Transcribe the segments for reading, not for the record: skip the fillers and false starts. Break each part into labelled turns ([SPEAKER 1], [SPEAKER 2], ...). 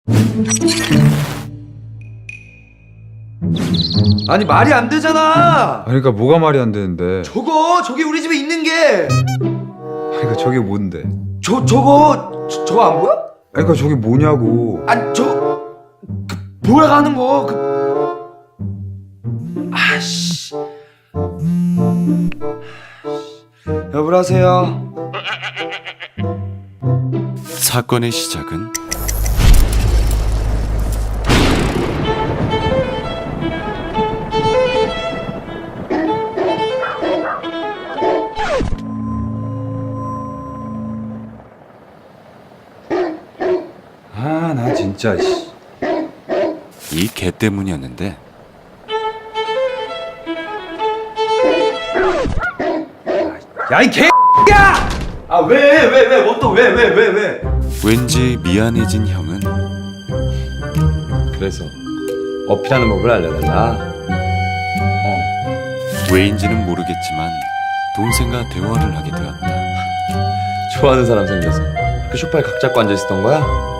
[SPEAKER 1] 아니 말이 안 되잖아.
[SPEAKER 2] 그러니까 뭐가 말이 안 되는데?
[SPEAKER 1] 저기 우리 집에 있는 게.
[SPEAKER 2] 그러니까 저게 뭔데?
[SPEAKER 1] 저거 안 보여?
[SPEAKER 2] 그러니까 저게 뭐냐고.
[SPEAKER 1] 아니 돌아가는 거 아씨. 여보세요.
[SPEAKER 3] 사건의 시작은
[SPEAKER 2] 나 진짜 씨.
[SPEAKER 3] 이 개 때문이었는데
[SPEAKER 1] 야 이 개야! 아 왜? 뭐 또 왜?
[SPEAKER 3] 왠지 미안해진 형은
[SPEAKER 1] 그래서 어필하는 법을 알려달라.
[SPEAKER 3] 왜인지는 모르겠지만 동생과 대화를 하게 되었다.
[SPEAKER 1] 좋아하는 사람 생겨서 그 소파에 각 잡고 앉아 있었던 거야?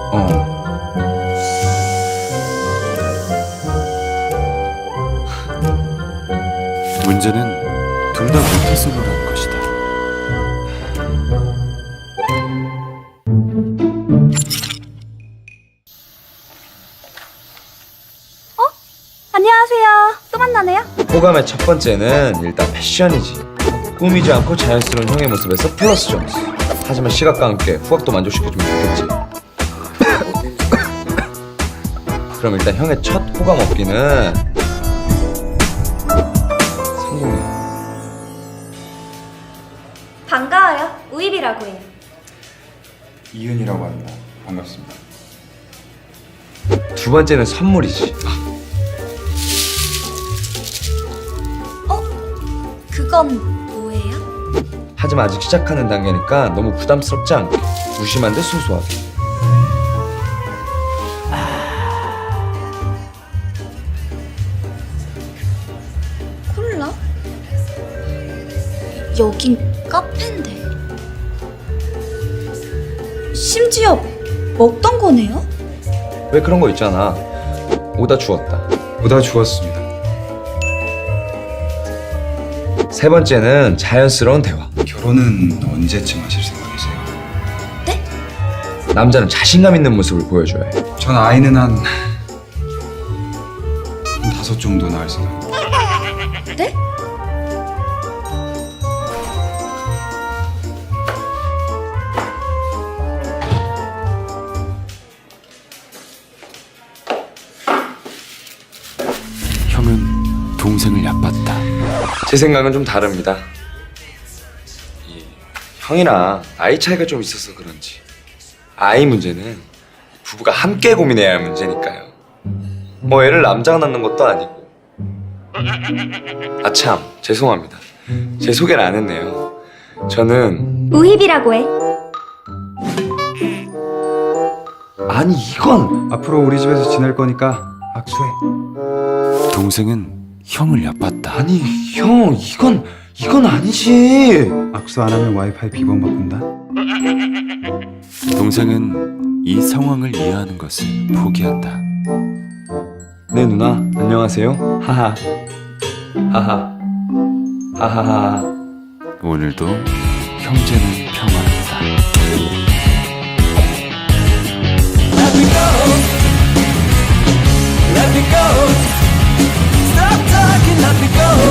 [SPEAKER 3] 문제는 둘 다 모태솔로라는 것이다.
[SPEAKER 4] 안녕하세요. 또 만나네요.
[SPEAKER 1] 호감의 첫 번째는 일단 패션이지. 꾸미지 않고 자연스러운 형의 모습에서 플러스 점수. 하지만 시각과 함께 후각도 만족시켜주면 좋겠지. 그럼 일단 형의 첫 호감 얻기는 성공이야.
[SPEAKER 4] 반가워요. 우입이라고 해요.
[SPEAKER 2] 이은이라고 합니다. 반갑습니다.
[SPEAKER 1] 두 번째는 선물이지.
[SPEAKER 4] 그건 뭐예요?
[SPEAKER 1] 하지만 아직 시작하는 단계니까 너무 부담스럽지 않게 무심한 듯 소소하게.
[SPEAKER 4] 콜라? 여긴 카페인데. 심지어 먹던 거네요?
[SPEAKER 1] 왜 그런 거 있잖아. 오다 주었다.
[SPEAKER 2] 보다 주었습니다.
[SPEAKER 1] 세 번째는 자연스러운 대화.
[SPEAKER 2] 결혼은 언제쯤 하실 생각이세요?
[SPEAKER 1] 남자는 자신감 있는 모습을 보여줘야 해.
[SPEAKER 2] 전 아이는 한 5 정도 낳을 생각입니다.
[SPEAKER 4] 네?
[SPEAKER 3] 형은 동생을 얕봤다.
[SPEAKER 1] 제 생각은 좀 다릅니다. 형이랑 나이 차이가 좀 있어서 그런지 아이 문제는 부부가 함께 고민해야 할 문제니까요. 뭐 애를 남자가 낳는 것도 아니고. 아참 죄송합니다. 제 소개를 안 했네요. 저는
[SPEAKER 4] 우입이라고 해.
[SPEAKER 1] 아니 이건
[SPEAKER 2] 앞으로 우리 집에서 지낼 거니까 악수해.
[SPEAKER 3] 동생은 형을 얕봤다.
[SPEAKER 1] 아니 형 이건 아니지.
[SPEAKER 2] 악수 안 하면 와이파이 비번 바꾼다.
[SPEAKER 3] 동생은 이 상황을 이해하는 것을 포기한다.
[SPEAKER 1] 네 누나 안녕하세요. 하하 하하 하하하.
[SPEAKER 3] 오늘도 형제는 평화롭다.
[SPEAKER 5] Let me go. Let me go. Stop talking, let me go.